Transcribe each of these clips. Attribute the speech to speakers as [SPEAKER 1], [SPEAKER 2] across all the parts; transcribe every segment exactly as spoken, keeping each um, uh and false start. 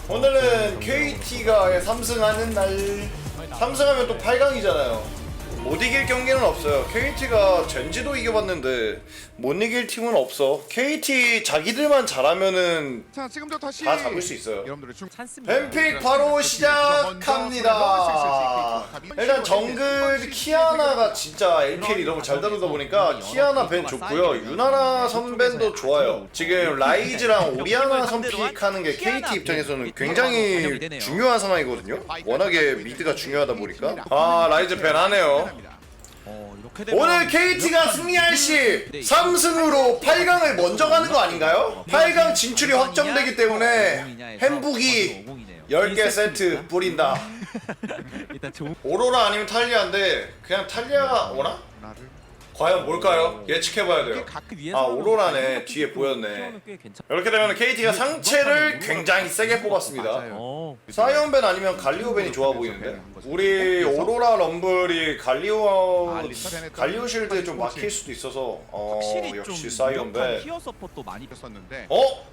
[SPEAKER 1] 오늘은 케이티가 삼승하는 날. 삼승하면 또 팔 강이잖아요. 못 이길 경기는 없어요. 케이티가 젠지도 이겨봤는데 못 이길 팀은 없어. 케이티 자기들만 잘하면은
[SPEAKER 2] 자, 지금도 다시
[SPEAKER 1] 다 잡을 수 있어요.
[SPEAKER 2] 여러분들의 중
[SPEAKER 1] 뱀픽 바로 시작합니다. 일단 정글 키아나가 진짜 엘피엘이 너무 잘 다루다 보니까 키아나 벤 좋고요. 유나나 선벤도 좋아요. 지금 라이즈랑 오리아나 선픽하는 게 케이티 입장에서는 굉장히 중요한 상황이거든요. 워낙에 미드가 중요하다 보니까. 아, 라이즈 벤 하네요. 오늘 케이티가 승리할 시 삼승으로 팔 강을 먼저 가는 거 아닌가요? 팔 강 진출이 확정되기 때문에 햄북이 열 개 세트 뿌린다. 오로라 아니면 탈리아인데 그냥 탈리아가 오나? 과연 뭘까요? 예측해봐야 돼요. 아, 오로라네. 뒤에 보였네. 이렇게 되면 케이티가 상체를 굉장히 세게 뽑았습니다. 사이언벤 아니면 갈리오벤이 좋아 보이는데 우리 오로라 럼블이 갈리오 갈리오 실드에 좀 막힐 수도 있어서 어 역시 사이언벤. 어?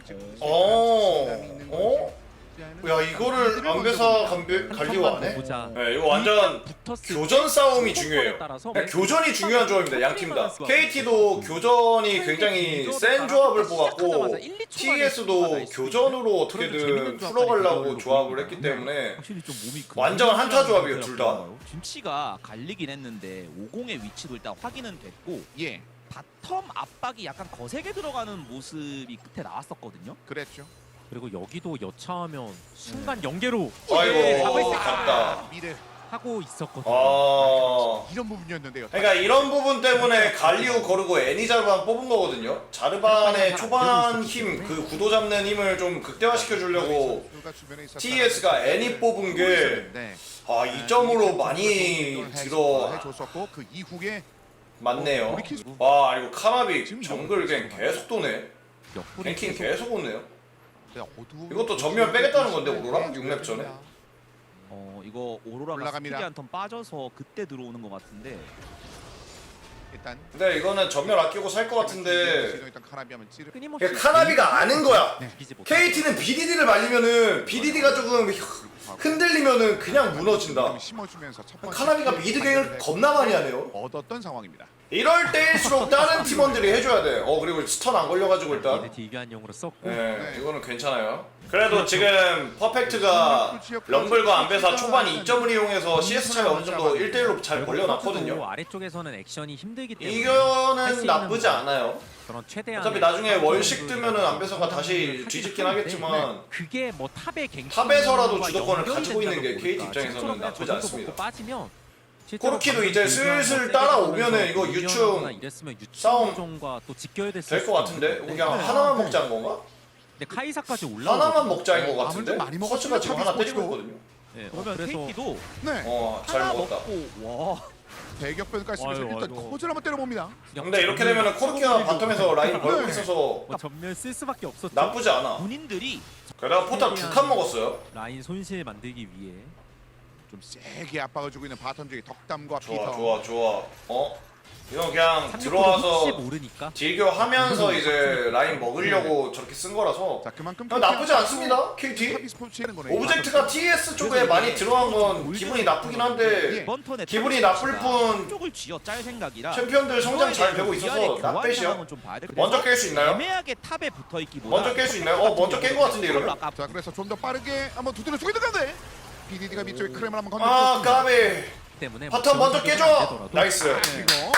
[SPEAKER 1] 어? 어? 야, 이거를 안배사 간배, 갈리오 안 해? 네, 이거 완전 교전 싸움이 중요해요. 그냥 교전이 중요한 조합입니다, 양 팀 다. 케이티도 교전이 굉장히 센 조합을 뽑았고 티에스도 교전으로 어떻게든 풀어가려고 조합을 했기 때문에 완전 한타 조합이에요, 둘 다.
[SPEAKER 3] 김치가 갈리긴 했는데 오공의 위치도 일단 확인은 됐고,
[SPEAKER 2] 예,
[SPEAKER 3] 바텀 압박이 약간 거세게 들어가는 모습이 끝에 나왔었거든요.
[SPEAKER 2] 그랬죠.
[SPEAKER 4] 그리고 여기도 여차하면 순간 연계로
[SPEAKER 1] 아이고, 갔다.
[SPEAKER 2] 미래
[SPEAKER 4] 하고 있었거든요.
[SPEAKER 1] 아,
[SPEAKER 2] 이런 부분이었는데요.
[SPEAKER 1] 그러니까 이런 부분 때문에 갈리오 거르고 애니자르반 뽑은 거거든요. 자르반의 초반 힘, 그 구도 잡는 힘을 좀 극대화시켜 주려고 티에스가 애니 뽑은 게 아, 이 점으로 많이 들어
[SPEAKER 2] 해줬었고 그 이후에
[SPEAKER 1] 맞네요. 와, 이거 카나비 정글 갱 계속 도네. 갱킹 계속 오네요. 이것도 전면 빼겠다는 건데 오로라? 육 렙 전에?
[SPEAKER 3] 어 이거 오로라가
[SPEAKER 2] 올라갑니다.
[SPEAKER 3] 스피드 한턴 빠져서 그때 들어오는 것 같은데.
[SPEAKER 2] 일단
[SPEAKER 1] 근데 이거는 전면 아끼고 살 것 같은데
[SPEAKER 2] 일단 카나비 하면 찌르.
[SPEAKER 4] 끊임없이
[SPEAKER 1] 그러니까 카나비가 아는 거야.
[SPEAKER 4] 이기지 못하고.
[SPEAKER 1] 케이티는 비디디를 말리면은 비디디가 조금 흔들리면은 그냥 무너진다.
[SPEAKER 2] 심어주면서 첫 번째
[SPEAKER 1] 카나비가 미드갱을 겁나 많이 하네요.
[SPEAKER 2] 얻었던 상황입니다.
[SPEAKER 1] 이럴 때일수록 다른 팀원들이 해줘야 돼. 어, 그리고 스턴 안 걸려가지고 일단
[SPEAKER 4] 미드 딜교환용으로 썼고
[SPEAKER 1] 네, 이거는 괜찮아요. 그래도 지금 퍼펙트가 럼블과 안배사 초반 이 점을 이용해서 씨에스 차이 어느 정도 일 대 일로 잘 벌려놨거든요.
[SPEAKER 4] 아래쪽에서는 액션이 힘들기 때문에
[SPEAKER 1] 이거는 나쁘지 않아요.
[SPEAKER 4] 그런 최대한
[SPEAKER 1] 어차피 나중에 월식 뜨면은 안배사가 다시 뒤집긴 하겠지만
[SPEAKER 4] 그게 뭐 탑의 갱
[SPEAKER 1] 탑에서라도 주도권을 가지고 있는 게 케이티 입장에서는 나쁘지 않습니다.
[SPEAKER 4] 빠지면
[SPEAKER 1] 코르키도 이제 슬슬 따라오면은 이거 유충 싸움
[SPEAKER 4] 또 지켜야 됐을
[SPEAKER 1] 될 것 같은데? 그냥 하나만 먹자는 건가?
[SPEAKER 4] 근데 카이사까지 올라
[SPEAKER 1] 하나만 먹자인 것 같은데?
[SPEAKER 2] 아무래도 많이
[SPEAKER 1] 커츠가 지금 하나 때리고
[SPEAKER 2] 먹었고.
[SPEAKER 1] 있거든요.
[SPEAKER 4] 네, 어,
[SPEAKER 3] 그러면
[SPEAKER 4] 그래서
[SPEAKER 3] 케이티도
[SPEAKER 2] 네.
[SPEAKER 1] 어, 잘
[SPEAKER 3] 하나
[SPEAKER 1] 먹었다.
[SPEAKER 3] 먹고 와.
[SPEAKER 2] 대격변까지 쓰면서
[SPEAKER 4] 아유,
[SPEAKER 2] 일단
[SPEAKER 4] 아유.
[SPEAKER 2] 코즈를 한번 때려봅니다.
[SPEAKER 1] 근데 이렇게 되면은 코르키가 바텀에서 라인 벌고
[SPEAKER 2] 네.
[SPEAKER 1] 있어서
[SPEAKER 4] 뭐 전면 쓸 수밖에 없었죠.
[SPEAKER 1] 나쁘지 않아.
[SPEAKER 3] 본인들이
[SPEAKER 1] 게다가 포탑 두 칸 먹었어요.
[SPEAKER 4] 라인 손실 만들기 위해
[SPEAKER 2] 좀 세게 압박을 주고 있는 바텀 쪽에 덕담과
[SPEAKER 1] 좋아,
[SPEAKER 2] 피터.
[SPEAKER 1] 좋아, 좋아. 어? 이건 그냥
[SPEAKER 4] 혹시
[SPEAKER 1] 들어와서
[SPEAKER 4] 모르니까
[SPEAKER 1] 딜교하면서 이제 라인 먹으려고 저렇게 쓴 거라서
[SPEAKER 2] 자, 그만큼
[SPEAKER 1] 어, 나쁘지 않습니다, 케이티.
[SPEAKER 2] 탑이 스포츠는 거네요.
[SPEAKER 1] 오브젝트가 티에스 쪽에 많이 들어간 건 기분이 나쁘긴 한데
[SPEAKER 3] 이번 턴에
[SPEAKER 1] 기분이 나쁠 뿐
[SPEAKER 3] 쪽을 쥐어 짤 생각이라
[SPEAKER 1] 챔피언들 성장 잘 되고 있어서 낙배시야. 먼저 깰 수 있나요?
[SPEAKER 3] 애매하게 탑에 붙어 있기보다
[SPEAKER 1] 먼저 깰 수 있나요? 어, 먼저 깬 거 같은데 이러면?
[SPEAKER 2] 자, 그래서 좀 더 빠르게 한번 두드려 주고 있는 가운데 비디디가 밑쪽에 크렘을 한번
[SPEAKER 1] 아,
[SPEAKER 2] 건드렸습니다.
[SPEAKER 1] 까비.
[SPEAKER 4] 때문에
[SPEAKER 1] 바텀 먼저 깨줘. 나이스.
[SPEAKER 2] 이거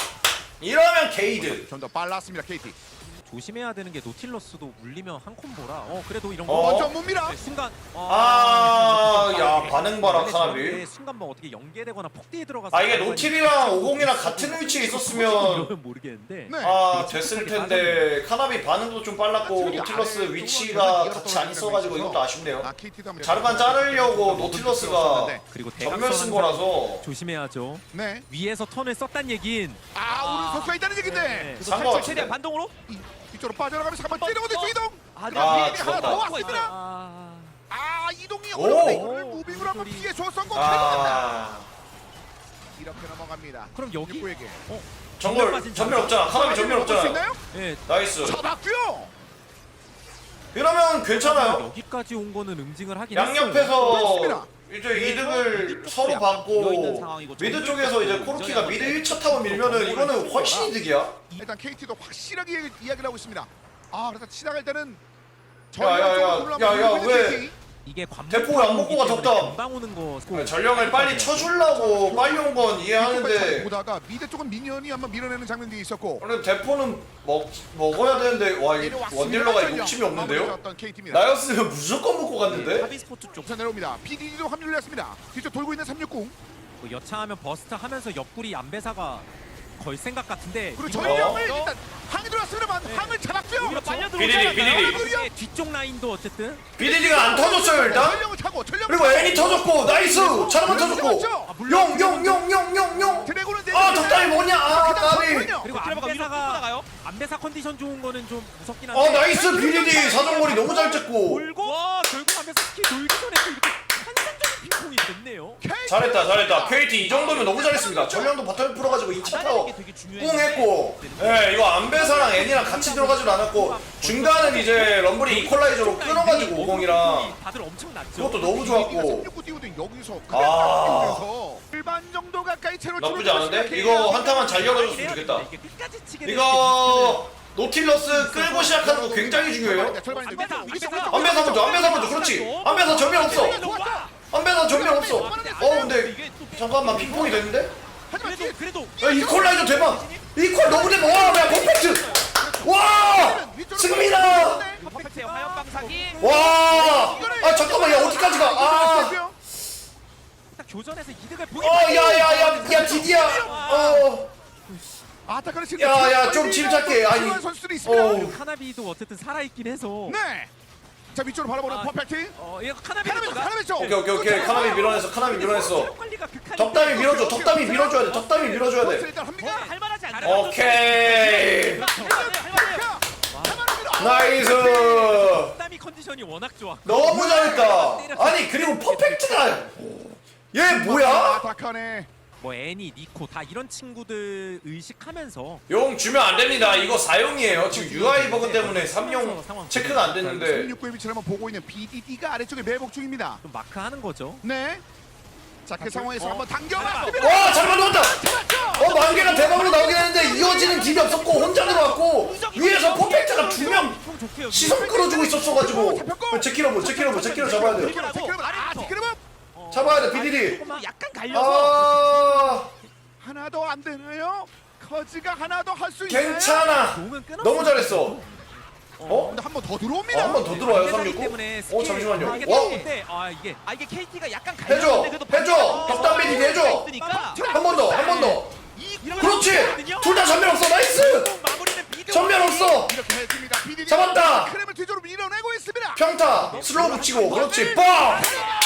[SPEAKER 1] 이러면 게이드.
[SPEAKER 2] 좀 더 빨랐습니다, 케이티.
[SPEAKER 4] 조심해야 되는 게 노틸러스도 물리면 한 콤보라. 어 그래도 이런
[SPEAKER 1] 어?
[SPEAKER 4] 거
[SPEAKER 2] 먼저 뭡니다.
[SPEAKER 4] 네, 순간
[SPEAKER 1] 아, 야, 반응 봐라, 카나비.
[SPEAKER 4] 네, 순간 뭐 어떻게 연계되거나 폭대에 들어가서
[SPEAKER 1] 아, 이게 노틸이랑 오공이랑 같은 위치에 있었으면
[SPEAKER 4] 이러면 모르겠는데
[SPEAKER 2] 네.
[SPEAKER 1] 아, 됐을 텐데 카나비 반응도 좀 빨랐고 노틸러스 위치가 같이 안 있어가지고 이것도 아쉽네요.
[SPEAKER 2] 아, 케이티도 한번
[SPEAKER 1] 자르반 자르려고 노틸러스가
[SPEAKER 4] 그리고
[SPEAKER 1] 전멸 쓴
[SPEAKER 4] 대각선
[SPEAKER 1] 거라서
[SPEAKER 4] 조심해야죠.
[SPEAKER 2] 네.
[SPEAKER 4] 위에서 턴을 썼단 얘긴
[SPEAKER 2] 아, 오른 선수가 있다는 얘긴데.
[SPEAKER 4] 네.
[SPEAKER 3] 그래서
[SPEAKER 1] 산거
[SPEAKER 3] 살짝
[SPEAKER 1] 같은데?
[SPEAKER 3] 최대한 반동으로
[SPEAKER 2] 이- 이쪽으로 빠져나가면서 한번 때려보는
[SPEAKER 3] 어, 어.
[SPEAKER 2] 이동.
[SPEAKER 3] 아,
[SPEAKER 1] 아,
[SPEAKER 2] 비디디 하나
[SPEAKER 1] 죽었다.
[SPEAKER 2] 더 왔습니다.
[SPEAKER 4] 아,
[SPEAKER 2] 아, 이동이
[SPEAKER 1] 오!
[SPEAKER 2] 어려운데 이거를 무빙으로 한번 피해 줬었고
[SPEAKER 1] 아,
[SPEAKER 2] 이렇게 넘어갑니다.
[SPEAKER 4] 그럼 여기
[SPEAKER 2] 육구에게.
[SPEAKER 4] 어
[SPEAKER 1] 전멸 전멸 없잖아. 카나비 전멸
[SPEAKER 2] 볼수
[SPEAKER 1] 없잖아.
[SPEAKER 2] 있나요?
[SPEAKER 4] 네,
[SPEAKER 1] 나이스.
[SPEAKER 2] 잡았고요.
[SPEAKER 1] 이러면 괜찮아요.
[SPEAKER 4] 여기까지 온 거는 응징을 하긴
[SPEAKER 1] 양옆에서 이제 이득을 서로
[SPEAKER 3] 비어
[SPEAKER 1] 받고
[SPEAKER 3] 있는 상황이고
[SPEAKER 1] 미드 쪽에서 이제 코르키가 미드 일 차 타워 밀면은 이거는 훨씬 이득이야.
[SPEAKER 2] 일단 케이티도 확실하게 이야기- 이야기를 하고 있습니다. 아 그래서 시작할 때는
[SPEAKER 1] 야야야야야 왜
[SPEAKER 4] 이게 관문
[SPEAKER 1] 대포 안 먹고 가, 덕담.
[SPEAKER 4] 금방 오는 거.
[SPEAKER 1] 전령을 빨리 쳐주려고 빨리 온 건 이해하는데
[SPEAKER 2] 보다가 미드 쪽은 미니언이 한번 밀어내는 장면도 있었고.
[SPEAKER 1] 원래 대포는 먹 먹어야 되는데 와 이 원딜러가 욕심이 없는데요? 나였으면 무조건 먹고 갔는데.
[SPEAKER 3] 타비 스포츠 쪽
[SPEAKER 2] 우선 내려옵니다. 비디디도 합류를 했습니다. 뒤쪽 돌고 있는 삼육공.
[SPEAKER 4] 뭐 여차하면 버스트 하면서 옆구리 안배사가 걸 생각 같은데.
[SPEAKER 2] 그리고
[SPEAKER 4] 이거-
[SPEAKER 2] 전령을 일단 항이 들어왔습니다만
[SPEAKER 4] 네.
[SPEAKER 2] 항을 잡았고요.
[SPEAKER 3] 오히려 빨려
[SPEAKER 1] 비리리, 비리리.
[SPEAKER 4] 이게 뒤쪽 라인도 어쨌든
[SPEAKER 1] 비디디가 안 터졌어요 일단.
[SPEAKER 2] 전령을 차고 전령.
[SPEAKER 1] 그리고 애니 터졌고 나이스 차르만 터졌고 용용용용용용.
[SPEAKER 2] 드래곤은
[SPEAKER 1] 아 덕담이 뭐냐 아 까비.
[SPEAKER 4] 그리고
[SPEAKER 3] 그래가 위로
[SPEAKER 4] 안배사가
[SPEAKER 3] 나가요.
[SPEAKER 4] 안배사 컨디션 좋은 거는 좀 무섭긴 한데.
[SPEAKER 1] 아 나이스 비디디 사정거리 너무 잘 찍고.
[SPEAKER 4] 돌고 와 결국 안배사 스킬 돌기 전에 또 이렇게 환상적인 핑퐁이 됐네요.
[SPEAKER 1] 잘했다 잘했다. 케이티 이 정도면 너무 잘했습니다. 전령도 바텀에 풀어가지고 이 차 타워 뿡 했고 예 이거 안배사랑 애니랑 같이 들어가지도 않았고 중간은 이제 럼블이 이퀄라이저로 끊어가지고 오공이랑
[SPEAKER 4] 다들 엄청 낮죠.
[SPEAKER 1] 그것도 너무 좋았고
[SPEAKER 2] 삼육구 띄우던 여기서
[SPEAKER 1] 아.
[SPEAKER 2] 그래서 일반 정도 가까이 채로
[SPEAKER 1] 나쁘지 않은데? 이거 한타만 잘 이어가줬으면 좋겠다.
[SPEAKER 4] 이게 끝까지 치게
[SPEAKER 1] 이거 노틸러스 끌고 시작하는 거 굉장히 중요해요. 안배사 먼저 안배사 먼저 그렇지. 안배사 전면 없어. 안배사 전면 없어. 어 근데 잠깐만 핑퐁이 됐는데?
[SPEAKER 2] 하지만
[SPEAKER 4] 그래도 그래도
[SPEAKER 1] 야 이퀄라이저 대박. 이퀄 너무 대박. 와 뭐야 퍼펙트. 와 승민아.
[SPEAKER 3] 퍼펙트의 화염 방사기.
[SPEAKER 1] 와. 아 잠깐만 야 어디까지 가? 아.
[SPEAKER 4] 딱 교전에서 이득을 보기.
[SPEAKER 1] 어 야야야 야 디디야. 어.
[SPEAKER 2] 아타카를 지금
[SPEAKER 1] 야, 야, 좀 침착해. 아니.
[SPEAKER 2] 선수들이 있습니다.
[SPEAKER 1] 어우.
[SPEAKER 4] 카나비도 어쨌든 살아 있긴 해서.
[SPEAKER 2] 네. 자 위쪽으로 바라보는
[SPEAKER 4] 아,
[SPEAKER 2] 퍼펙트.
[SPEAKER 4] 어 이거 카나비
[SPEAKER 2] 카나비 카나비 쪽.
[SPEAKER 1] 오케이 오케이 오케이 카나비 밀어냈어. 카나비 밀어냈어.
[SPEAKER 4] 관리가 극한.
[SPEAKER 1] 덕담이 밀어줘. 덕담이 밀어줘야 돼. 덕담이 밀어줘야 돼.
[SPEAKER 2] 일단 합니다.
[SPEAKER 3] 할만하지 않아.
[SPEAKER 1] 오케이. 나이스.
[SPEAKER 4] 덕담이 컨디션이 워낙 좋아.
[SPEAKER 1] 너무 잘했다. 아니 그리고 퍼펙트가 얘 뭐야?
[SPEAKER 2] 아타카네.
[SPEAKER 4] 뭐 애니, 니코 다 이런 친구들 의식하면서
[SPEAKER 1] 용 주면 안 됩니다. 이거 사용이에요. 지금 유아이 버그 때문에 삼 용 체크가 안 됐는데.
[SPEAKER 2] 삼육구의 위치를 한번 보고 있는 비디디가 아래쪽에 매복 중입니다.
[SPEAKER 4] 좀 마크하는 거죠.
[SPEAKER 2] 네. 자 그 상황에서
[SPEAKER 4] 어.
[SPEAKER 2] 한번 당겨봤습니다.
[SPEAKER 1] 와 잘 만들었다. 어 만개가 대박으로 나오긴 했는데 이어지는 딜이 없었고 혼자 들어왔고 위에서 퍼펙트가 두 명 시선 끌어주고 있었어가지고. 제키러브 제키러브 제키러 잡아야 돼.
[SPEAKER 2] 아 디크레브
[SPEAKER 1] 잡아야 돼 비디디.
[SPEAKER 3] 약간 갈려서
[SPEAKER 1] 아
[SPEAKER 2] 하나 더 안 되나요? 커즈가 하나 더 할 수 있나요?
[SPEAKER 1] 괜찮아.
[SPEAKER 4] 공은 끊었어.
[SPEAKER 1] 너무 잘했어. 어?
[SPEAKER 2] 근데 한 번 더 들어옵니다.
[SPEAKER 1] 한 번 더 들어와요 삼육구? 어 잠시만요. 와
[SPEAKER 4] 근데 아 이게
[SPEAKER 3] 아 이게 케이티가 약간
[SPEAKER 1] 해줘
[SPEAKER 3] 갈렸는데 그래도
[SPEAKER 1] 해줘 덕담 비디디 해줘.
[SPEAKER 3] 있으니까
[SPEAKER 1] 한 번 더 한 번 더. 그렇지. 둘 다 전면 없어. 나이스.
[SPEAKER 3] 마무리는 비디오
[SPEAKER 1] 전면 없어.
[SPEAKER 2] 이렇게 했습니다. 비디디
[SPEAKER 1] 잡았다.
[SPEAKER 2] 크렘을 뒤쪽으로 밀어내고 있습니다.
[SPEAKER 1] 평타 슬로우 붙이고 그렇지 뻥.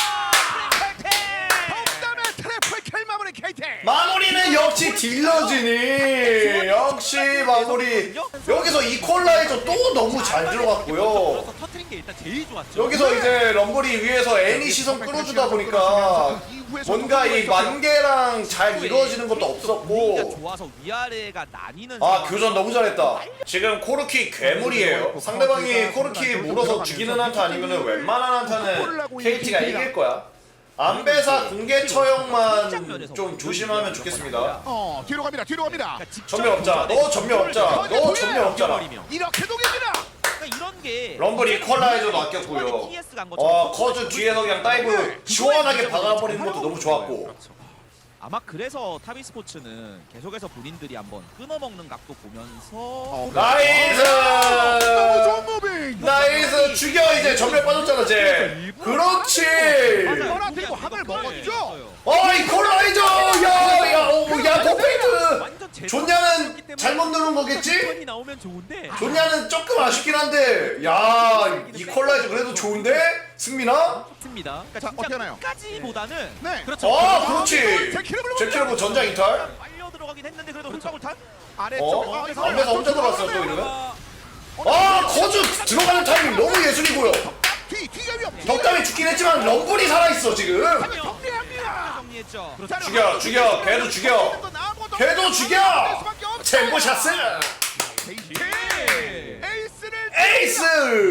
[SPEAKER 2] 덕담의 트래플 킬 마무리 케이티.
[SPEAKER 1] 마무리는 역시 딜러지니. 역시 마무리. 여기서 이퀄라이저 또 너무 잘 들어갔고요.
[SPEAKER 4] 그래서 터트린 게 일단 제일 좋았죠.
[SPEAKER 1] 여기서 이제 럼블이 위에서 애니 시선 끌어주다 보니까 뭔가 이 만개랑 잘 이루어지는 것도
[SPEAKER 3] 우리가
[SPEAKER 1] 없었고.
[SPEAKER 3] 좋아서 위아래가 나뉘는
[SPEAKER 1] 아
[SPEAKER 3] 상황이
[SPEAKER 1] 교전 너무 잘했다. 지금 코르키 괴물이에요. 상대방이 코르키 물어서 죽이는 한타 아니면은 웬만한 한타는 케이티가 이길 거야. 안배사 공개 처형만 좀 조심하면 좋겠습니다.
[SPEAKER 2] 어 뒤로 갑니다. 뒤로 갑니다.
[SPEAKER 1] 전면 없자. 너 전면 없자. 너 전면 없잖아.
[SPEAKER 2] 이렇게 독입니다.
[SPEAKER 3] 그러니까 이런 게
[SPEAKER 1] 럼블 이퀄라이저도 아꼈고요.
[SPEAKER 3] 티에스 간 것처럼
[SPEAKER 1] 어 커즈 뒤에서 그냥 다이브 시원하게 박아버리는 것도 너무 좋았고.
[SPEAKER 3] 아마 그래서 타비 스포츠는 계속해서 본인들이 한번 끊어먹는 각도 보면서
[SPEAKER 2] 어,
[SPEAKER 1] 나이스.
[SPEAKER 2] 너무 좋은 무빙.
[SPEAKER 1] 나이스 죽여 이제 전면 빠졌잖아 쟤. 그렇지.
[SPEAKER 2] 떠나 들고 함을 먹었죠.
[SPEAKER 1] 어 이퀄라이저. 야야 오야 퍼펙트.
[SPEAKER 4] 완전 제대로
[SPEAKER 1] 존냐는 잘못 누른 거겠지?
[SPEAKER 4] 턴이 나오면 좋은데.
[SPEAKER 1] 존냐는 조금 아쉽긴 한데 야 이퀄라이저 그래도 좋은데 승민아?
[SPEAKER 4] 좋습니다.
[SPEAKER 2] 자 어떻게 하나요?
[SPEAKER 3] 까지보다는
[SPEAKER 2] 네.
[SPEAKER 4] 그렇죠.
[SPEAKER 1] 어 그렇지.
[SPEAKER 2] 제키러블
[SPEAKER 1] 제키러브 전장 이탈.
[SPEAKER 3] 빨려 들어가긴 했는데 그래도 hul방울 탄?
[SPEAKER 2] 아래쪽.
[SPEAKER 1] 어?
[SPEAKER 2] 어, 이거
[SPEAKER 1] 안배사 혼자 들어갔어요 또 이러면?
[SPEAKER 4] 아,
[SPEAKER 1] 아 커즈 들어가는 타이밍 너무 예술이고요.
[SPEAKER 2] 뒤 뒤가 위험.
[SPEAKER 1] 덕담이 죽긴 했지만 럼블이 살아있어 지금.
[SPEAKER 2] 정리합니다.
[SPEAKER 3] 정리했죠.
[SPEAKER 1] 죽여 죽여 걔도 죽여. 걔도 죽여. 챔버 샷스.
[SPEAKER 2] 에이스를
[SPEAKER 1] 에이스.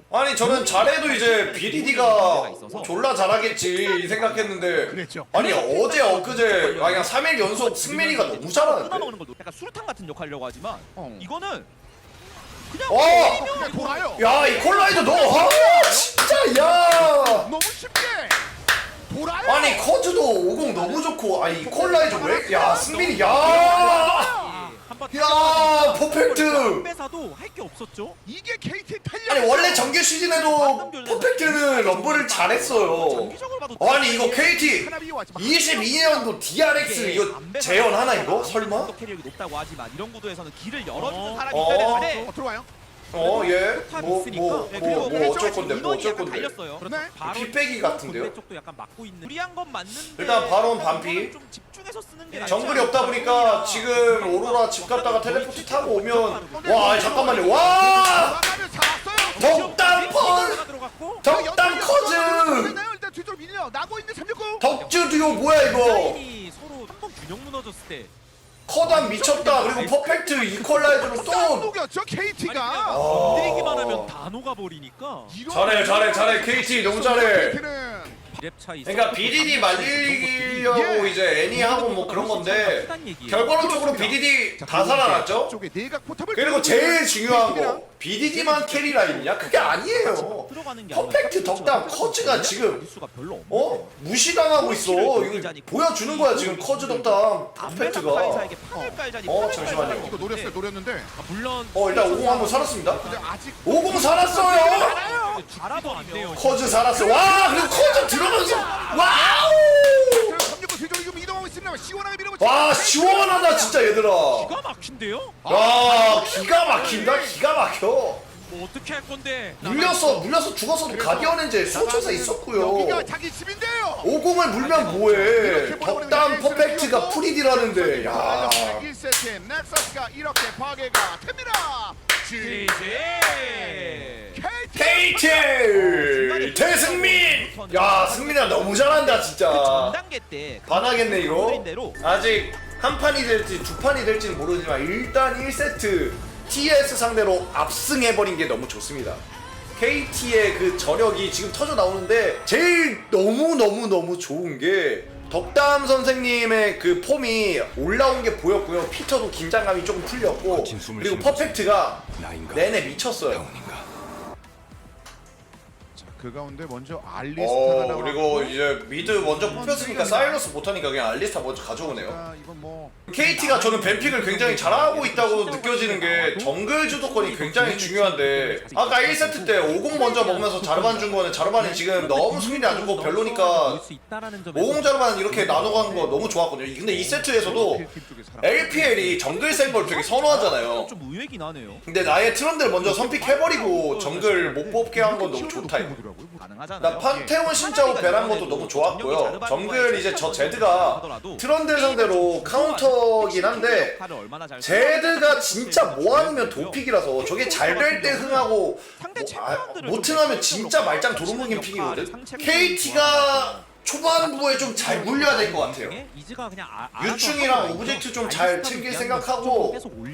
[SPEAKER 1] 아니 저는 잘해도 이제 비디디가 졸라 잘하겠지 이 생각했는데
[SPEAKER 2] 그랬죠.
[SPEAKER 1] 아니 어제 엊그제 아 그냥 삼 일 연속 승민이가 너무 잘하는데
[SPEAKER 3] 끊어먹는 걸 약간 수류탄 같은 역할이라고 하지만
[SPEAKER 2] 어.
[SPEAKER 3] 이거는 그냥
[SPEAKER 1] 와!
[SPEAKER 2] 그냥 돌아요.
[SPEAKER 1] 야 이 콜라이드 너 아, 진짜 야
[SPEAKER 2] 너무 쉽게 돌아요.
[SPEAKER 1] 아니 커즈도 오공 너무 좋고 아니 이 콜라이드 왜? 야 승민이 야 야, 퍼펙트!
[SPEAKER 4] 빼사도 할 게 없었죠.
[SPEAKER 2] 이게 케이티 탄력.
[SPEAKER 1] 아니 원래 정규 시즌에도 퍼펙트는 럼블을 잘했어요.
[SPEAKER 3] 장기적으로 봐도
[SPEAKER 1] 아니 이거 케이티
[SPEAKER 2] 하나비 왔지만
[SPEAKER 1] 이십이 년도 디알엑스 이거 재현하나 이거? 설마?
[SPEAKER 3] 캐리어가 높다고 하지만 이런 구도에서는 길을 열어주는
[SPEAKER 4] 어.
[SPEAKER 3] 사람이
[SPEAKER 1] 어.
[SPEAKER 3] 있어야 되는데
[SPEAKER 2] 어, 들어와요.
[SPEAKER 1] 어 예?
[SPEAKER 4] 포탑이
[SPEAKER 1] 뭐
[SPEAKER 4] 있으니까.
[SPEAKER 1] 뭐
[SPEAKER 3] 네,
[SPEAKER 1] 뭐
[SPEAKER 3] 그리고
[SPEAKER 1] 뭐 어쩔 건데 뭐 어쩔 건데
[SPEAKER 3] 달렸어요.
[SPEAKER 2] 네.
[SPEAKER 4] 바로
[SPEAKER 1] 핏배기 같은데요?
[SPEAKER 4] 본대 쪽도 약간 막고 있는.
[SPEAKER 3] 무리한 건 맞는데
[SPEAKER 1] 일단 바론 반피.
[SPEAKER 3] 좀 집중해서 쓰는 게
[SPEAKER 1] 정글이 없다 보니까 지금 오로라 집 갔다가 텔레포트 타고 오면 와 아니, 잠깐만요 와
[SPEAKER 2] 돌아가면 잡았어요.
[SPEAKER 1] 덕담 펄
[SPEAKER 4] 들어갔고.
[SPEAKER 1] 덕담 커즈
[SPEAKER 2] 있나요? 일단 뒤쪽으로 밀려. 나고 있는 삼육구.
[SPEAKER 1] 덕주 듀오 뭐야 이거
[SPEAKER 4] 라인이 서로 한 번 균형 무너졌을 때.
[SPEAKER 1] 커담 미쳤다 그리고 퍼펙트 이퀄라이저로 또
[SPEAKER 2] 녹였죠 케이티가.
[SPEAKER 1] 아.
[SPEAKER 4] 건드리기만 하면 다 녹아버리니까.
[SPEAKER 1] 잘해 잘해 잘해 케이티 너무 잘해
[SPEAKER 2] 케이티는
[SPEAKER 4] 비랩 차이.
[SPEAKER 1] 그러니까 비디디 말리려고 이제 애니하고 뭐 그런 건데 결과론적으로 비디디 다 살아났죠?
[SPEAKER 2] 쪽에 내각 포탑을
[SPEAKER 1] 그리고 제일 중요한 거 비디디만 캐리 라인이냐? 그게 아니에요.
[SPEAKER 3] 들어가는 게
[SPEAKER 1] 퍼펙트 덕담 커즈가 지금
[SPEAKER 3] 수가 별로 없네.
[SPEAKER 1] 어? 무시당하고 있어. 이거 보여주는 거야 지금 커즈 덕담 퍼펙트가.
[SPEAKER 3] 카이사에게 판을 깔자니
[SPEAKER 1] 어,
[SPEAKER 3] 판을
[SPEAKER 1] 잠시만요.
[SPEAKER 3] 깔자니
[SPEAKER 2] 이거 노렸어요. 노렸는데
[SPEAKER 4] 아, 물론
[SPEAKER 1] 어 일단 오공 한번 살았습니다.
[SPEAKER 2] 근데 아직
[SPEAKER 1] 오공 살았어요.
[SPEAKER 4] 알아도 안 돼요.
[SPEAKER 1] 커즈 살았어. 와 그리고 커즈 들어가면서 와우.
[SPEAKER 2] 삼육구 뒤쪽으로 지금 이동하고 있습니다. 시원하게 밀어붙이.
[SPEAKER 1] 와 시원하다 진짜 얘들아.
[SPEAKER 4] 기가 막힌데요?
[SPEAKER 1] 야 기가 막힌다 기가 막혀.
[SPEAKER 4] 뭐 어떻게 할 건데?
[SPEAKER 1] 물려서 물려서 죽었어도 가디언 엔젤 소천사 있었고요.
[SPEAKER 2] 여기가 자기 집인데요.
[SPEAKER 1] 오공을 물면 뭐해? 덕담 퍼펙트가 프리디라는데 야.
[SPEAKER 2] 일 세트 넥서스가 이렇게 파괴가 됩니다.
[SPEAKER 3] 지지.
[SPEAKER 1] 케이티 대승민. 야 승민아 너무 잘한다 진짜.
[SPEAKER 3] 전 단계 때
[SPEAKER 1] 반하겠네 이거.
[SPEAKER 3] 그린 대로
[SPEAKER 1] 아직 한 판이 될지 두 판이 될지는 모르지만 일단 일 세트 티에스 상대로 압승해버린 게 너무 좋습니다. 케이티의 그 저력이 지금 터져 나오는데 제일 너무너무너무 좋은 게 덕담 선생님의 그 폼이 올라온 게 보였고요. 피터도 긴장감이 조금 풀렸고 그리고 퍼펙트가 내내 미쳤어요.
[SPEAKER 2] 그 가운데 먼저 알리스타가
[SPEAKER 1] 어
[SPEAKER 2] 나왔고
[SPEAKER 1] 그리고 이제 미드 먼저 뽑혔으니까 사일러스 못하니까 그냥 알리스타 먼저 가져오네요.
[SPEAKER 2] 아, 이건 뭐
[SPEAKER 1] 케이티가 저는 뱀픽을 굉장히 잘하고 있다고 느껴지는 게 정글 주도권이 굉장히 중요한데 아까 일 세트 때 오공 먼저 먹으면서 자르반 준 거는 자르반이 지금 너무 수준이 안 좋고 별로니까 오공 자르반 이렇게 나눠가는 거 너무 좋았거든요. 근데 이 세트에서도 엘피엘이 정글 센 걸 되게 선호하잖아요.
[SPEAKER 3] 좀 의외긴 하네요.
[SPEAKER 1] 근데 나의 트런들 먼저 선픽해버리고 정글 못 뽑게 한 건 너무 좋다 이거.
[SPEAKER 3] 가능하잖아요.
[SPEAKER 1] 나 판테온 신짜오 베란 것도 너무 좋았고요. 정글 이제 저 제드가 트런들 상대로 카운터긴 한데 제드가 진짜 뭐 아니면 도픽이라서 저게 잘 될 때 흥하고 뭐, 아, 못 흥하면 진짜 말짱 도루묵인 픽이거든. 케이티가 초반부에 좀 잘 물려야 될 것 같아요. 유충이랑 오브젝트 좀 잘 챙길 생각하고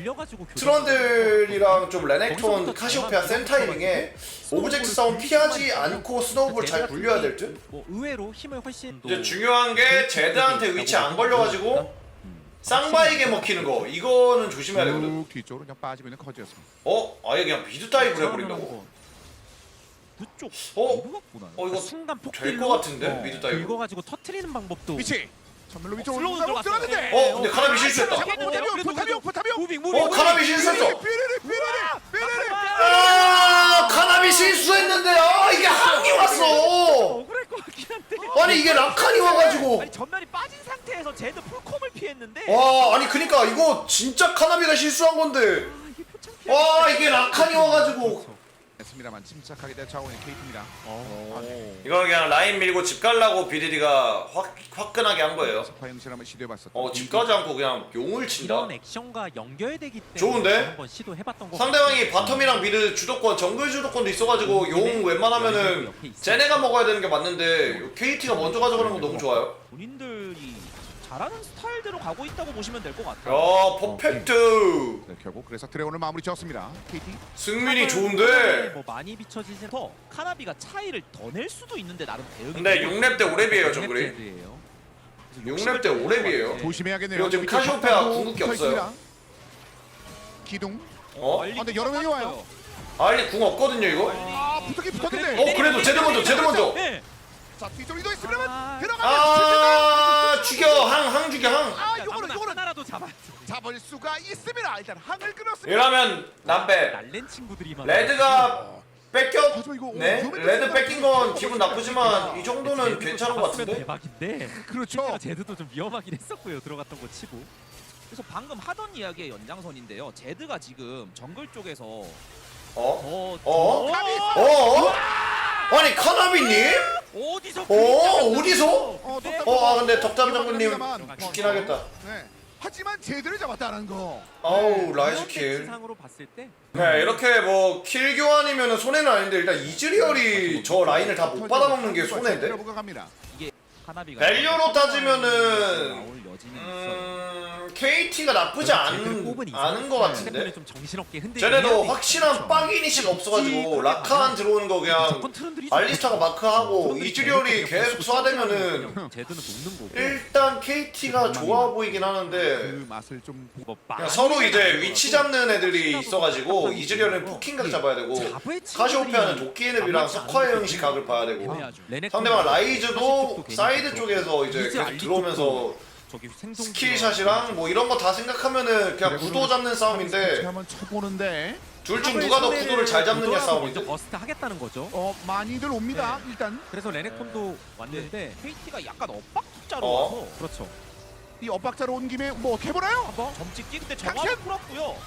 [SPEAKER 1] 트런들이랑 좀 레넥톤, 카시오페아 센 타이밍에 오브젝트 싸움 피하지 않고 스노우볼 잘 굴려야 될 듯?
[SPEAKER 4] 의외로 힘을 훨씬
[SPEAKER 1] 이제 중요한 게 제드한테 위치 안 걸려가지고 쌍바에게 먹히는 거 이거는 조심해야 되거든.
[SPEAKER 2] 쭉 뒤쪽으로 그냥 빠지고 있는 커즈였습니다.
[SPEAKER 1] 어? 아예 그냥 미드 다이브를 해버린다고?
[SPEAKER 3] 그쪽
[SPEAKER 1] 어?
[SPEAKER 3] 보나?
[SPEAKER 1] 어 이거
[SPEAKER 4] 순간
[SPEAKER 1] 될 것 같은데? 미드 다이브?
[SPEAKER 4] 긁어가지고 터트리는 방법도
[SPEAKER 2] 위치 전멸로 위쪽으로
[SPEAKER 3] 슬로우
[SPEAKER 2] 올라가고
[SPEAKER 3] 들어갔어요.
[SPEAKER 2] 들어갔는데
[SPEAKER 1] 어? 근데 카나비 실수했다.
[SPEAKER 2] 포탑이요 포탑이요 포탑이요
[SPEAKER 3] 무빙 무빙.
[SPEAKER 1] 어? 카나비 실수했어!
[SPEAKER 2] 삐리리 삐리리 삐리리
[SPEAKER 1] 아 카나비 실수했는데 아 이게 항이 왔어!
[SPEAKER 3] 억울할 것 같긴 한데.
[SPEAKER 1] 아니 이게 라칸이 와가지고
[SPEAKER 3] 아니 전면이 빠진 상태에서 제드 풀콤을 피했는데.
[SPEAKER 1] 와 아니 그니까 이거 진짜 카나비가 실수한 건데
[SPEAKER 3] 아, 이게 표창
[SPEAKER 1] 와 이게 라칸이 와가지고
[SPEAKER 2] 했습니다만 침착하게 대처하고 있는 케이티입니다.
[SPEAKER 1] 이거 그냥 라인 밀고 집 갈라고 비디디가 확, 화끈하게 한 거예요.
[SPEAKER 2] 스파 형실 한번 시도해봤었다.
[SPEAKER 1] 어 집 가지 않고 그냥 용을 친다.
[SPEAKER 4] 이런 액션과 연결되기 때문에
[SPEAKER 1] 좋은데?
[SPEAKER 4] 한번 시도해봤던 거
[SPEAKER 1] 상대방이 바텀이랑 미드 주도권, 정글 주도권도 있어가지고 용 웬만하면은 쟤네가 먹어야 되는 게 맞는데 케이티가 먼저 가져가는 건 너무 좋아요.
[SPEAKER 3] 본인들이 잘하는 스타일대로 가고 있다고 보시면 될 것 같아요.
[SPEAKER 1] 야 퍼펙트.
[SPEAKER 2] 네, 결국 그래서 드래곤을 마무리 지었습니다. 케이티.
[SPEAKER 1] 승민이 좋은데.
[SPEAKER 4] 뭐 많이 비춰지진
[SPEAKER 3] 더 카나비가 차이를 더 낼 수도 있는데 나름 대응이
[SPEAKER 1] 근데 육 렙 때 오 렙이에요 정글이.
[SPEAKER 4] 랩제드예요.
[SPEAKER 1] 육 렙 때 오 렙이에요.
[SPEAKER 2] 조심해야겠네요.
[SPEAKER 1] 그리고 지금
[SPEAKER 2] 이쪽
[SPEAKER 1] 카시오페아
[SPEAKER 2] 탑도
[SPEAKER 1] 궁극기
[SPEAKER 2] 붙어
[SPEAKER 1] 없어요.
[SPEAKER 2] 있습니다. 기둥.
[SPEAKER 1] 어?
[SPEAKER 2] 아, 근데 여러 명이 와요.
[SPEAKER 1] 알리 궁 없거든요 이거.
[SPEAKER 2] 아 붙었긴 붙었는데.
[SPEAKER 1] 어 그래도 제드 먼저 제드 먼저.
[SPEAKER 3] 네.
[SPEAKER 2] 자 뒤쪽으로 이동했으면
[SPEAKER 4] 아,
[SPEAKER 2] 들어가면
[SPEAKER 1] 아 죽여 항 항 죽여 항.
[SPEAKER 2] 아 요거는 요거는
[SPEAKER 4] 하나라도 잡아.
[SPEAKER 2] 잡을 수가 있습니다. 일단 항을 끊었습니다.
[SPEAKER 1] 이러면 남배
[SPEAKER 4] 날랜 친구들이만.
[SPEAKER 1] 레드가 뺏겨.
[SPEAKER 2] 하지만 이거
[SPEAKER 1] 네
[SPEAKER 2] 위험했다
[SPEAKER 1] 레드
[SPEAKER 2] 생각하면
[SPEAKER 1] 뺏긴 건 기분 나쁘지만 이 정도는 괜찮은 것 같은데.
[SPEAKER 4] 대박인데.
[SPEAKER 2] 그렇죠.
[SPEAKER 4] 실제로 제드도 좀 위험하긴 했었고요. 들어갔던 거 치고.
[SPEAKER 3] 그래서 방금 하던 이야기의 연장선인데요. 제드가 지금 정글 쪽에서
[SPEAKER 1] 어?
[SPEAKER 3] 더
[SPEAKER 1] 어?
[SPEAKER 3] 더-
[SPEAKER 1] 어? 아니 카나비님?
[SPEAKER 3] 어디서
[SPEAKER 1] 어
[SPEAKER 3] 그림자가
[SPEAKER 1] 어디서?
[SPEAKER 2] 어,
[SPEAKER 3] 네.
[SPEAKER 1] 어 아 근데 덕담 장군님
[SPEAKER 2] 합니다만,
[SPEAKER 1] 죽긴 하겠다.
[SPEAKER 2] 네. 하지만 제대로 잡았다는 거.
[SPEAKER 1] 아우 라이즈 킬.
[SPEAKER 4] 상으로 봤을 때
[SPEAKER 1] 네 이렇게 뭐 킬 교환이면 손해는 아닌데 일단 이즈리얼이 저 라인을 다 못 받아먹는 게 손해인데.
[SPEAKER 2] 갑니다.
[SPEAKER 3] 이게 카나비가
[SPEAKER 1] 밸류로 따지면은
[SPEAKER 3] 나올 여지는 있어요.
[SPEAKER 1] 음 케이티가 나쁘지 않은 않은 것 같은데.
[SPEAKER 4] 좀 정신없게 흔들리는
[SPEAKER 1] 쟤네도 확실한 빡 이니시가 없어가지고 라칸 들어오는 거 그냥 알리스타가 마크하고 이즈리얼이 계속 쏴대면은
[SPEAKER 4] 제드는 녹는 거고.
[SPEAKER 1] 일단 케이티가 좋아 보이긴 하는데
[SPEAKER 2] 그 맛을 좀
[SPEAKER 4] 뭐
[SPEAKER 1] 그냥 서로 이제 위치 잡는 애들이 있어가지고 이즈리얼은 포킹각 잡아야 되고 카시오페아는 도끼앤앱이랑 서커의 형식 각을 봐야 되고
[SPEAKER 3] 애매하죠.
[SPEAKER 1] 상대방 라이즈도 사이드 쪽에서 이제 계속 들어오면서
[SPEAKER 4] 저기 생존
[SPEAKER 1] 스킬샷이랑 뭐 이런 거 다 생각하면은 그냥 구도 잡는 싸움인데
[SPEAKER 2] 한번 쳐보는데
[SPEAKER 1] 둘 중 누가 더 구도를 잘 잡느냐
[SPEAKER 4] 먼저
[SPEAKER 1] 싸움인데.
[SPEAKER 4] 버스트 하겠다는 거죠.
[SPEAKER 2] 어 많이들 옵니다.
[SPEAKER 1] 네.
[SPEAKER 2] 일단
[SPEAKER 4] 그래서 레넥톤도 왔는데
[SPEAKER 3] 케이티가 약간 엇박 투자로
[SPEAKER 1] 어?
[SPEAKER 3] 와서
[SPEAKER 4] 그렇죠.
[SPEAKER 2] 이 엇박자로 온 김에 뭐 어떻게 해보나요?
[SPEAKER 3] 한번 점찍기 근데
[SPEAKER 2] 당신!
[SPEAKER 3] 정확히 풀었고요.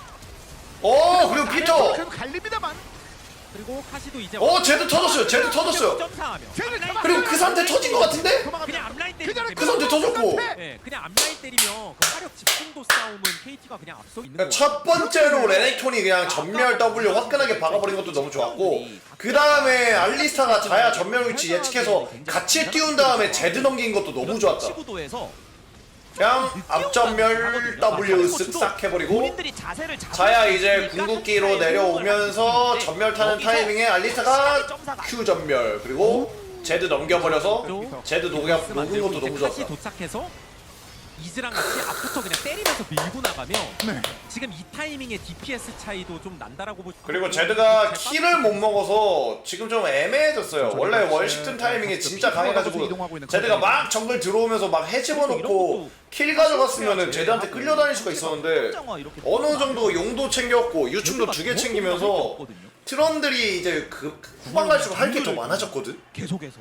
[SPEAKER 1] 어 그리고 피터.
[SPEAKER 2] 그래도 갈립니다만.
[SPEAKER 4] 그리고 카시도 이제
[SPEAKER 1] 어 제드 터졌어요. 제드 터졌어요.
[SPEAKER 4] 점사하며
[SPEAKER 2] 쟤는
[SPEAKER 1] 그리고 그 상태 터진 것 같은데?
[SPEAKER 4] 그냥 앞라인 때리면
[SPEAKER 2] 그냥
[SPEAKER 1] 그 상태 터졌고.
[SPEAKER 4] 네, 그냥 앞라인 때리면 그 화력 집중도 싸움은 케이티가 그냥 앞서 있는
[SPEAKER 1] 그러니까
[SPEAKER 4] 거
[SPEAKER 1] 첫 번째로 레넥톤이 그냥 전멸 W 화끈하게 박아버린 것도 너무 좋았고 그 다음에 알리스타가 자야 전멸 위치 예측해서 같이 띄운 다음에 제드 넘긴 것도 너무 좋았다.
[SPEAKER 3] 치구도에서
[SPEAKER 1] 그냥 앞전멸 W 쓱싹 해버리고
[SPEAKER 3] 본인들이 자세를 잡을
[SPEAKER 1] 자야
[SPEAKER 3] 수
[SPEAKER 1] 이제
[SPEAKER 3] 있으니까
[SPEAKER 1] 궁극기로
[SPEAKER 3] 한타에
[SPEAKER 1] 내려오면서
[SPEAKER 3] 호응을
[SPEAKER 1] 전멸 타는
[SPEAKER 3] 여기서
[SPEAKER 1] 타이밍에 알리스타가
[SPEAKER 3] 점사가
[SPEAKER 1] Q 전멸 그리고 제드 넘겨버려서 제드 녹여 녹은 것도 너무
[SPEAKER 4] 카시
[SPEAKER 1] 좋았다.
[SPEAKER 4] 도착해서 이즈랑 같이 앞부터 그냥 때리면서 밀고 나가면
[SPEAKER 2] 네.
[SPEAKER 4] 지금 이 타이밍에 디피에스 차이도 좀 난다라고 보.
[SPEAKER 1] 그리고 제드가 키를 못 먹어서 지금 좀 애매해졌어요. 원래 월식튼 타이밍에 진짜 강해가지고 제드가 막 정글 들어오면서 막 해집어놓고 킬 가져갔으면은 제드한테 끌려다닐 수가 있었는데 어느 정도 용도 챙겼고 유충도 두 개 챙기면서 트런들이 이제 그 후반 갈수록 할 게 더 많아졌거든.
[SPEAKER 3] 계속해서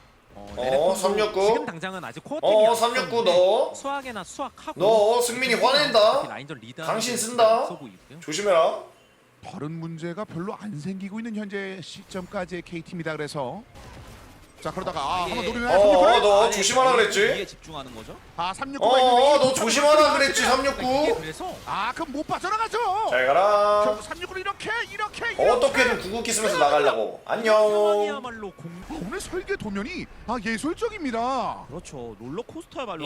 [SPEAKER 1] 어 삼육구
[SPEAKER 4] 지금 당장은 아직 코어
[SPEAKER 1] 어 삼육구 너
[SPEAKER 4] 수학이나 수학하고
[SPEAKER 1] 너 승민이 화낸다.
[SPEAKER 4] 라인전 리더
[SPEAKER 1] 당신 쓴다. 조심해라.
[SPEAKER 2] 다른 문제가 별로 안 생기고 있는 현재 시점까지의 케이티입니다. 그래서 자 그러다가 아 한번 노리면
[SPEAKER 1] 어어 너
[SPEAKER 3] 아니,
[SPEAKER 1] 조심하라
[SPEAKER 3] 이에
[SPEAKER 1] 그랬지.
[SPEAKER 3] 집중하는 거죠?
[SPEAKER 2] 아 삼육구가 있는데
[SPEAKER 1] 어어
[SPEAKER 2] 이거
[SPEAKER 1] 너 조심하라 그랬지 삼육구.
[SPEAKER 4] 그래서
[SPEAKER 2] 아 그럼 못 빠져나가죠.
[SPEAKER 1] 잘 가라.
[SPEAKER 2] 결국 삼육구를 이렇게 이렇게 이렇게.
[SPEAKER 1] 어떻게든 궁극기 쓰면서 나가려고. 안녕.
[SPEAKER 4] 상황이야말로 공
[SPEAKER 2] 아, 오늘 설계 도면이 아 예술적입니다.
[SPEAKER 3] 그렇죠. 롤러코스터의 말로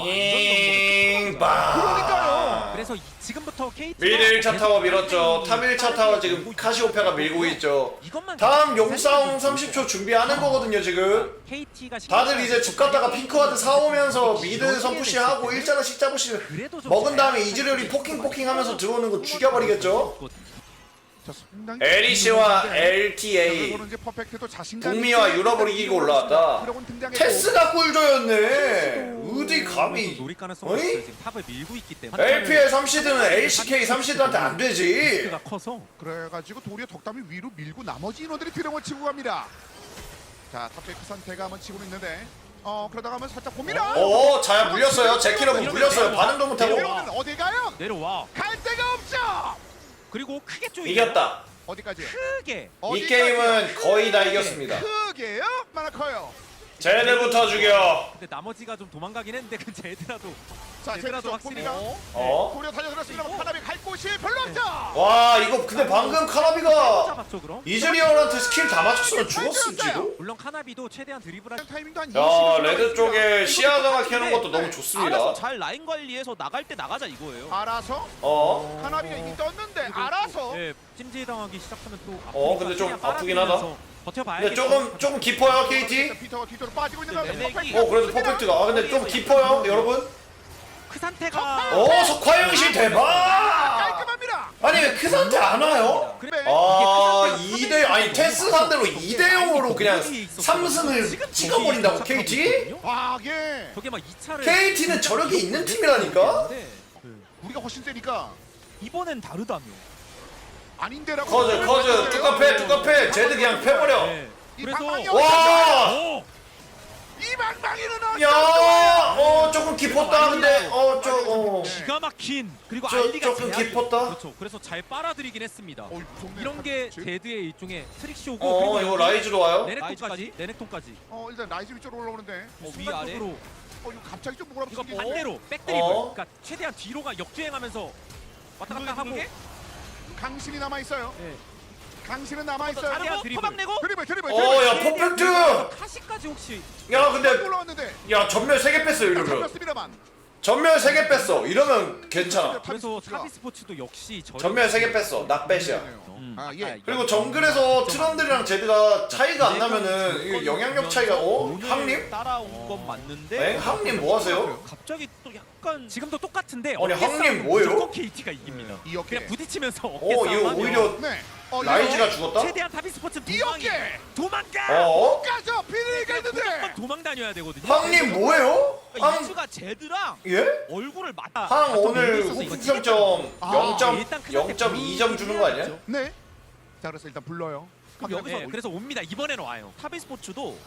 [SPEAKER 1] 잉빵.
[SPEAKER 2] 그러니까요.
[SPEAKER 4] 그래서 이- 지금부터 케이티
[SPEAKER 1] 미드 일 차 타워 밀었죠. 탑 일 차 타워 지금 카시오페아가 밀고 있죠.
[SPEAKER 4] 이것만
[SPEAKER 1] 다음 용싸움 삼십 초 준비하는 거거든요 지금.
[SPEAKER 4] 케이티가
[SPEAKER 1] 다들 이제 집 갔다가 핑크와드 사오면서 미드 선푸시하고 일자나씩 잡으시 먹은 다음에 이즈리얼이 포킹 포킹 하면서 들어오는 거 죽여버리겠죠.
[SPEAKER 2] 자, 상당히
[SPEAKER 1] 에리시와
[SPEAKER 2] 좋은데
[SPEAKER 1] 엘티에이
[SPEAKER 2] 저거는 이제 퍼펙트도 자신감
[SPEAKER 1] 북미와
[SPEAKER 2] 있게
[SPEAKER 1] 유럽을 이기고 올라왔다.
[SPEAKER 2] 드래곤 등장했고.
[SPEAKER 1] 테스가 꿀조였네. 어디 감히.
[SPEAKER 4] 노릴 가능성이
[SPEAKER 1] 어이?
[SPEAKER 4] 있어요. 지금 탑을 밀고 있기 때문에
[SPEAKER 1] 엘피엘 삼시드는 엘씨케이 삼시드한테 안 되지.
[SPEAKER 4] 리스크가 커서
[SPEAKER 2] 그래가지고 도리어 덕담이 위로 밀고 나머지 인원들이 드래곤을 치고 갑니다. 자 탑백 선택가 한번 치고 있는데 어 그러다가 한번 살짝 봅니다.
[SPEAKER 1] 오 자야 물렸어요. 제키러브 물렸어요. 반응도 못하고.
[SPEAKER 2] 내려오는 어디 가요?
[SPEAKER 4] 내려와.
[SPEAKER 2] 갈 데가 없죠.
[SPEAKER 4] 그리고 크게 쪼이
[SPEAKER 1] 이겼다.
[SPEAKER 2] 어디까지?
[SPEAKER 4] 크게
[SPEAKER 1] 이
[SPEAKER 2] 어디까지요?
[SPEAKER 1] 게임은 거의 다 이겼습니다.
[SPEAKER 2] 크게요? 얼마나 커요?
[SPEAKER 1] 쟤네부터 죽여.
[SPEAKER 4] 근데 나머지가 좀 도망가긴 했는데 그 제드라도
[SPEAKER 2] 자,
[SPEAKER 4] 얘들아도
[SPEAKER 2] 제대로
[SPEAKER 4] 확실히
[SPEAKER 2] 봅니다.
[SPEAKER 1] 어?
[SPEAKER 2] 고려 달려들었습니다. 카나비 갈 곳이 별로 없죠.
[SPEAKER 1] 와 이거 근데 방금 카나비가
[SPEAKER 4] 잡았죠 그럼?
[SPEAKER 1] 이즈리얼한테 스킬 다 맞췄으면 죽었을지도?
[SPEAKER 4] 물론 카나비도 최대한 드리블할
[SPEAKER 2] 타이밍도 한
[SPEAKER 1] 야
[SPEAKER 2] 이십
[SPEAKER 1] 레드 쪽에 시야 장악하는 것도 너무
[SPEAKER 3] 알아서
[SPEAKER 1] 좋습니다.
[SPEAKER 3] 잘 라인 관리해서 나갈 때 나가자 이거예요.
[SPEAKER 2] 알아서
[SPEAKER 1] 어?
[SPEAKER 2] 카나비가 이미 떴는데 알아서
[SPEAKER 4] 예, 찜질당하기 시작하면 또
[SPEAKER 1] 어, 근데 좀 아프긴 하다.
[SPEAKER 4] 버텨봐야겠죠.
[SPEAKER 1] 근데 조금 조금 깊어요 케이티?
[SPEAKER 2] 피터가 뒤로 빠지고 있는 가운데
[SPEAKER 3] 레넥이-
[SPEAKER 2] 퍼펙트.
[SPEAKER 1] 어 그래도 퍼펙트가 아 근데 좀 깊어요 여러분?
[SPEAKER 4] 그 상태가
[SPEAKER 1] 어 석화영신 대박!
[SPEAKER 2] 깔끔합니다.
[SPEAKER 1] 아니 왜 그 상태 안 와요?
[SPEAKER 2] 그래.
[SPEAKER 1] 아 이 대 아니 테스 상대로 이 대 영으로 그냥 삼 승을 찍어버린다고 케이티?
[SPEAKER 2] 과하게
[SPEAKER 4] 저게 막 이 차를
[SPEAKER 1] 케이티는 저력이 있는 팀이라니까?
[SPEAKER 2] 우리가 훨씬 세니까
[SPEAKER 3] 이번엔 다르다며.
[SPEAKER 2] 아닌데라고.
[SPEAKER 1] 커즈 커즈 뚜까 패 뚜까 패 쟤들 그냥 패버려.
[SPEAKER 4] 네.
[SPEAKER 2] 이
[SPEAKER 4] 그래서
[SPEAKER 2] 방망이
[SPEAKER 1] 와!
[SPEAKER 4] 오!
[SPEAKER 2] 이 방망이는
[SPEAKER 1] 야, 어 조금 깊었다 근데 어저어
[SPEAKER 4] 기가 막힌 그리고
[SPEAKER 1] 저-
[SPEAKER 4] 알리가
[SPEAKER 1] 조금
[SPEAKER 4] 제압이-
[SPEAKER 1] 깊었다.
[SPEAKER 4] 그렇죠. 그래서 잘 빨아들이긴 했습니다.
[SPEAKER 2] 어, 무섭네.
[SPEAKER 4] 이런 게
[SPEAKER 2] 지-
[SPEAKER 4] 제드의 일종의 트릭쇼고
[SPEAKER 1] 어
[SPEAKER 4] 그리고
[SPEAKER 1] 이거
[SPEAKER 4] 여기
[SPEAKER 1] 라이즈로 와요?
[SPEAKER 4] 레넥톤까지
[SPEAKER 3] 라이즈까지?
[SPEAKER 4] 레넥톤까지
[SPEAKER 2] 어 일단 라이즈 위쪽으로 올라오는데
[SPEAKER 3] 어, 위 아래.
[SPEAKER 4] 순간적으로
[SPEAKER 2] 어 이거 갑자기 좀 뭐라고
[SPEAKER 4] 이거
[SPEAKER 2] 생기는데?
[SPEAKER 4] 반대로 백드리블
[SPEAKER 1] 어?
[SPEAKER 4] 그러니까 최대한 뒤로가 역주행하면서 왔다 갔다 하고
[SPEAKER 3] 누르게?
[SPEAKER 2] 강신이 남아 있어요.
[SPEAKER 4] 네.
[SPEAKER 2] 강신은 남아 있어요.
[SPEAKER 4] 자르고
[SPEAKER 3] 자르고
[SPEAKER 4] 드리블.
[SPEAKER 3] 토막 내고.
[SPEAKER 2] 드리블 드리블
[SPEAKER 1] 어야
[SPEAKER 2] 드리블.
[SPEAKER 1] 퍼펙트!
[SPEAKER 4] 카시까지 혹시
[SPEAKER 1] 야 근데
[SPEAKER 2] 올라왔는데
[SPEAKER 1] 야 전멸 세 개 뺐어 이러면
[SPEAKER 2] 잡혔습니다만.
[SPEAKER 1] 전멸 세 개 뺐어 이러면 괜찮아.
[SPEAKER 4] 그래서 타비 스포츠도 역시 저
[SPEAKER 1] 전멸 세 개 뺐어 낫뱃이야.
[SPEAKER 3] 음,
[SPEAKER 2] 아 예.
[SPEAKER 1] 그리고 정글에서 트런들이랑 제드가 차이가 안 나면은 이거 영향력 차이가 어? 항님?
[SPEAKER 3] 따라온 건 맞는데.
[SPEAKER 1] 에? 항님 뭐 하세요?
[SPEAKER 3] 갑자기 또 약간
[SPEAKER 4] 지금도 똑같은데
[SPEAKER 1] 아니,
[SPEAKER 4] 어깨
[SPEAKER 1] 항님
[SPEAKER 4] 싸움은
[SPEAKER 1] 뭐예요?
[SPEAKER 4] 무조건 케이티가 이깁니다.
[SPEAKER 2] 이 어깨.
[SPEAKER 4] 그냥 부딪히면서 어깨
[SPEAKER 1] 어 이거
[SPEAKER 4] 싸움하면
[SPEAKER 1] 오히려
[SPEAKER 2] 네. 어,
[SPEAKER 1] 라이즈가 죽었다?
[SPEAKER 4] 최대한 타비 스포츠
[SPEAKER 2] 이
[SPEAKER 4] 도망이
[SPEAKER 2] 어깨.
[SPEAKER 4] 도망가.
[SPEAKER 1] 어?
[SPEAKER 2] 가서 비리가
[SPEAKER 4] 무조건
[SPEAKER 2] 있는데.
[SPEAKER 4] 도망 다녀야 되거든요.
[SPEAKER 1] 항님 뭐예요?
[SPEAKER 3] 그러니까
[SPEAKER 1] 항
[SPEAKER 3] 이즈가 제드랑
[SPEAKER 1] 예?
[SPEAKER 3] 얼굴을 맞다.
[SPEAKER 1] 항 오늘 후평점
[SPEAKER 2] 아,
[SPEAKER 1] 영 점 이 점 주는 거 아니야?
[SPEAKER 2] 네. 자 그래서 일단 불러요.
[SPEAKER 3] 그럼 여기서
[SPEAKER 4] 네, 그래서 옵니다. 이번에는 와요.
[SPEAKER 3] 타비 스포츠도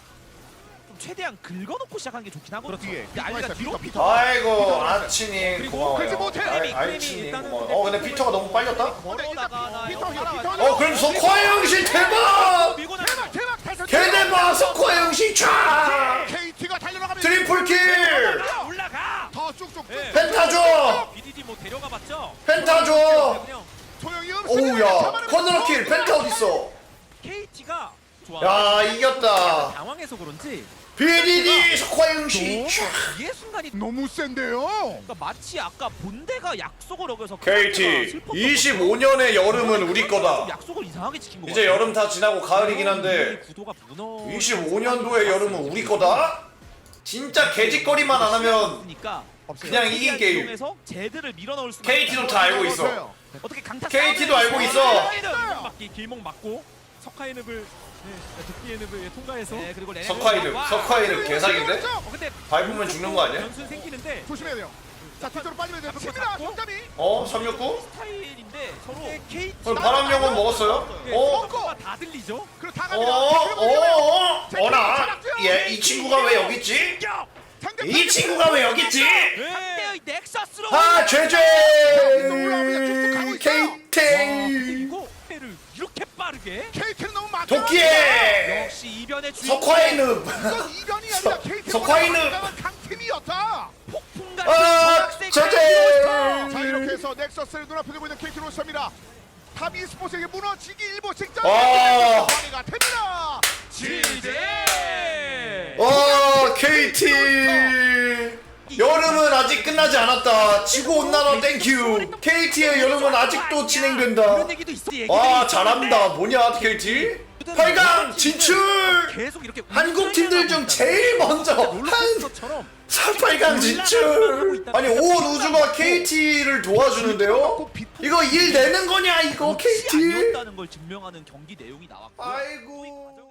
[SPEAKER 3] 좀 최대한 긁어놓고 시작하는 게 좋긴 하거든요.
[SPEAKER 2] 뒤에
[SPEAKER 3] 근데 알리가 뒤로
[SPEAKER 2] 피터, 피터.
[SPEAKER 1] 아이고 아치님
[SPEAKER 4] 그리고
[SPEAKER 2] 그렇지
[SPEAKER 1] 고마워요.
[SPEAKER 2] 못해.
[SPEAKER 1] 알-
[SPEAKER 4] 크림이
[SPEAKER 1] 알치님
[SPEAKER 4] 일단은
[SPEAKER 1] 고마워요.
[SPEAKER 4] 근데
[SPEAKER 1] 어 근데 피터가 너무 빨렸다?
[SPEAKER 3] 걸어다가
[SPEAKER 2] 피터, 피터, 피터.
[SPEAKER 1] 어 그래도 석화영신 대박!
[SPEAKER 3] 밀고
[SPEAKER 2] 대박
[SPEAKER 3] 나가.
[SPEAKER 2] 대박 대박.
[SPEAKER 1] 개대박 석화영신 촤!
[SPEAKER 2] 케이티가 달려나가면
[SPEAKER 1] 트리플 킬!
[SPEAKER 4] 올라가 올라가.
[SPEAKER 2] 더 쭉쭉
[SPEAKER 4] 네.
[SPEAKER 1] 펜타 줘!
[SPEAKER 4] 비디디 뭐 데려가 봤죠?
[SPEAKER 1] 펜타 줘!
[SPEAKER 4] 그냥
[SPEAKER 2] 소용이 없습니다.
[SPEAKER 1] 오우야 커널킬 펜타 어딨어?
[SPEAKER 4] 케이티가 좋아.
[SPEAKER 1] 야 이겼다.
[SPEAKER 4] 당황해서 그런지
[SPEAKER 1] 비디디 석화영신
[SPEAKER 4] 너무
[SPEAKER 1] 촤!
[SPEAKER 4] 이해 순간이
[SPEAKER 2] 너무 센데요.
[SPEAKER 3] 그러니까 마치 아까 본대가 약속을 어겨서
[SPEAKER 1] 케이티 이십오 년의 여름은 우리 거다.
[SPEAKER 3] 약속을 이상하게 지킨 거
[SPEAKER 1] 이제 여름 다 지나고 가을이긴 한데
[SPEAKER 4] 구도가 무너.
[SPEAKER 1] 이십오 년도의 여름은 우리 거다? 진짜 개짓거리만 안 하면
[SPEAKER 3] 그러니까
[SPEAKER 1] 그냥 이긴 게임.
[SPEAKER 3] 이용해서 제드를 밀어넣을 수.
[SPEAKER 1] 케이티도 다 알고 있어.
[SPEAKER 3] 어떻게 강타?
[SPEAKER 1] 케이티도
[SPEAKER 3] 싸움을
[SPEAKER 1] 알고
[SPEAKER 3] 해서
[SPEAKER 1] 있어.
[SPEAKER 4] 길목 맞기 길목 맞고 석화이늪을 네, 도끼이늪을 통과해서
[SPEAKER 3] 네 그리고 레넥
[SPEAKER 1] 석화이득 석화이득 개사기인데?
[SPEAKER 4] 어, 근데
[SPEAKER 1] 밟으면 죽는 거 아니야?
[SPEAKER 4] 변수 생기는데
[SPEAKER 2] 조심해야 돼요. 자 뒤쪽으로 빠지면 돼요. 칩니다.
[SPEAKER 4] 잡고.
[SPEAKER 2] 손잡이.
[SPEAKER 1] 어? 삼육구?
[SPEAKER 3] 스타일인데 서로
[SPEAKER 4] 케이티
[SPEAKER 1] 그럼 바람영은 먹었어요? 어?
[SPEAKER 4] 가 다 들리죠?
[SPEAKER 2] 그리고 다
[SPEAKER 1] 어?
[SPEAKER 2] 갑니다.
[SPEAKER 1] 어? 어? 어나? 얘 이 친구가 왜 여기 있지? 이 친구가 왜 여기 있지?
[SPEAKER 3] 상대의 넥서스로.
[SPEAKER 1] 아 죄죄!
[SPEAKER 4] 근데
[SPEAKER 1] 케이팅!
[SPEAKER 4] 이거 회를 이렇게 빠르게
[SPEAKER 2] 케이티는 너무 막.
[SPEAKER 1] 도끼에!
[SPEAKER 3] 역시 이변의 주인공.
[SPEAKER 1] 석화이늪!
[SPEAKER 2] 이건 이변이 아니라 케이티.
[SPEAKER 1] 석화이는-
[SPEAKER 2] 강팀이었다.
[SPEAKER 3] 폭풍 같은
[SPEAKER 1] 아
[SPEAKER 3] 전학생
[SPEAKER 1] 죄죄!
[SPEAKER 2] 자 이렇게 해서 넥서스를 눈앞에 두고 있는 케이티 로스입니다. 탑 e스포츠에게 무너지기 일보 직전.
[SPEAKER 1] 와.
[SPEAKER 2] 관리가 됩니다.
[SPEAKER 3] 지제.
[SPEAKER 1] 와 케이티! 여름은 아직 끝나지 않았다. 지구 온난화 땡큐. 케이티의 여름은 아직도 진행된다.
[SPEAKER 4] 이런 얘기도 있어.
[SPEAKER 1] 와 잘한다. 뭐냐 케이티? 팔 강 진출!
[SPEAKER 4] 계속 이렇게
[SPEAKER 1] 한국 팀들 중 제일 먼저 한
[SPEAKER 4] 롤러코스터처럼
[SPEAKER 1] 팔 강 진출! 아니 온 우주가 케이티를 도와주는데요? 이거 일 내는 거냐 이거
[SPEAKER 3] 혹시
[SPEAKER 1] 케이티?
[SPEAKER 3] 아니었다는 걸 증명하는 경기 내용이 나왔고.
[SPEAKER 1] 아이고